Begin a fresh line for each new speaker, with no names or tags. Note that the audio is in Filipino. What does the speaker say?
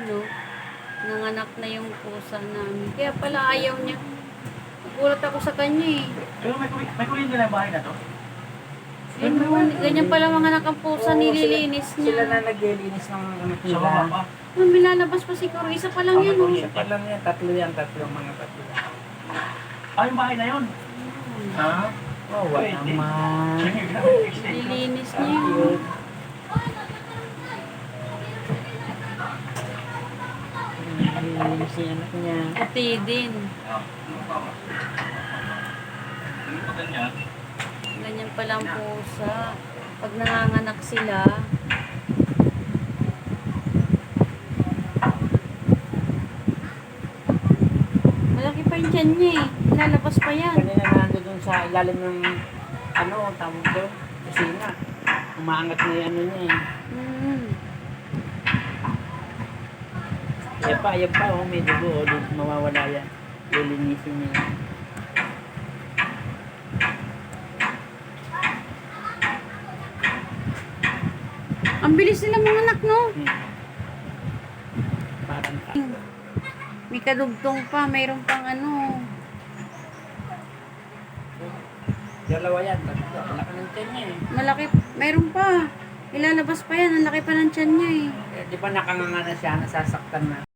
no? Nanganak na yung pusa namin. Kaya pala ayaw niya. Nagulat ako sa kanya eh.
Pero may kuryente na yung bahay na to?
Ganyan pala mga anak ang pusa,
Oo,
nililinis niya.
Sila na naglilinis ng ano
Sa
nila.
baba pa.
May lalabas pa siguro. Isa pa lang yan, oh.
Isa pa lang yan, tatlo mga tatlo.
Ah, yung bahay na yun? Ha?
Oh, wala naman.
Nililinis niya yun.
Nililinis yung anak niya.
Puti din. Ganyan pala ang pusa. Pag nanganganak sila, malaki pa yung tiyan niya eh. Lalabas pa yan.
Kanina nandun sa ilalim ng ano, tawag doon, kusina. Umaangat na yung ano niya eh. Yan pa, oh, may dugo, oh, doon mawawala yan. Lilinisin niya yan.
Ang bilis nila mga anak, no?
Parang
May kadugtong pa, mayroon pang ano.
dalawa yan, tatlo. Malaki ng tiyan niya eh.
Malaki, mayroon pa. Ilalabas pa yan, ang laki pa ng tiyan niya eh.
Di ba nakanganga na siya, nasasaktan na.